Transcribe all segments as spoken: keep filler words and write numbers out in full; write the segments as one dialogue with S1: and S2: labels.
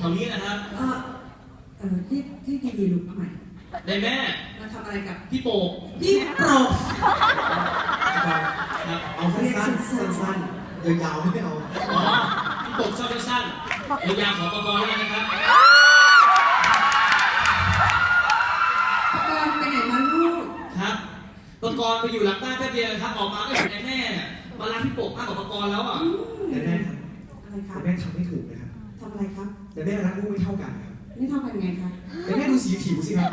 S1: ถวๆนี้นะครับ
S2: เออเออที่ที่ดีๆลุกใหม่
S1: ได้แม่
S2: มาทำอะไรกับ
S1: พี่โป่ง
S2: พี่โปรก
S1: ครับ
S3: เอาสั้นๆสั้นๆยาวๆไม่เอา
S1: อ๋อพี่โป่งชอบสั้นๆยาวๆขอประกอบแล้วนะครับ
S2: ประกอบไปไหนมาลูก
S1: ครับประกอบไปอยู่หลังบ้านแป๊บเดียวครับออกมาก็เห็นแม่มาล้างพี่โป่งมากกว่าประกอบแล้วอ่ะ
S3: แต่แม่
S2: อะไรครับ
S3: แต่แม่ทำไม่ถูกนะครับ
S2: ทำอะไรครับ
S3: แต่แม่รักลูกไม่เท่ากันครับ
S2: นี่ทำกันไงคะ
S3: แต่แม่ดูสีผิวสิครับ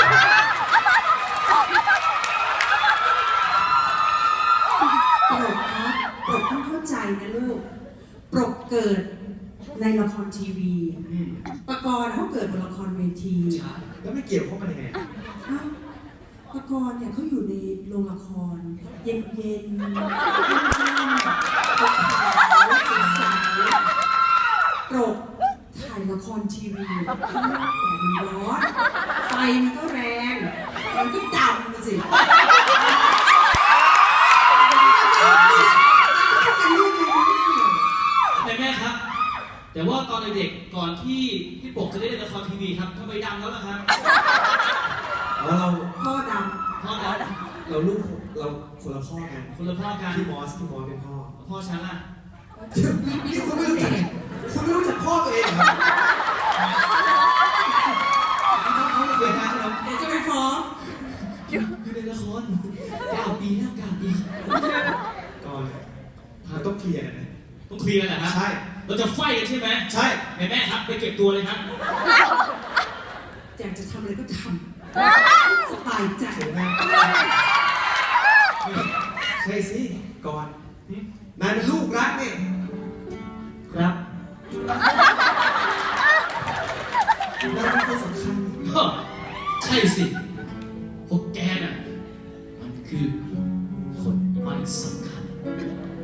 S2: โปรกครับโปรกต้องเข้าใจนะลูกโปรกเกิดในละครทีวีประกอบเขาเกิดบนละครเวที
S3: แล้วไม่เกี่ยวข้องกันยังไง
S2: ประกอบเนี่ยเขาอยู่ในโรงละครเย็นเย็นขาวใสโปรกถ่ายละครทีวีข้างนอกแต่มันร้อนไฟมันก็แรงมันก็ดำสิ
S1: แต่แม่ครับแต่ว่าตอนเด็กๆก่อนที่พี่โป่งจะได้เล่นละครทีวีครับทำไมดำแล้วล่ะครับ
S3: แล้วเรา
S2: พ่อดำ
S1: พ่อดำ
S3: เราลูกเราคนละพ่อกัน
S1: คนละพ่อกัน
S3: พี่มอสพี่มอสเป็นพ่อ
S1: พ่อฉันล่ะ
S3: นี่คุณไม่รู้จักคุณไม่รู้จักพ่อตัวเองเหรอเขาเกิดมาแล้ว
S2: เดี๋ยวจะไปฟ้อง
S1: อยู่ในละครเก้าปีแล้วเก้าปี
S3: ก่อนเราต้องเคลียร์กันนะ
S1: ต้องเคลียร์กันนะ
S3: ใช่
S1: เราจะไฟกันใช่ไหม
S3: ใช่
S1: แม่แม่ครับไปเก็บตัวเลยครับ
S2: อยากจะทำอะไรก็ทำสบายใจ
S3: นะใช่สิก่อนนายเป็นลูกรักเนี่ย
S1: ครับ
S3: นายเป็นคนสำคัญ
S1: ใช่สิพวกแกน่ะมันคือคนไม่สำคัญ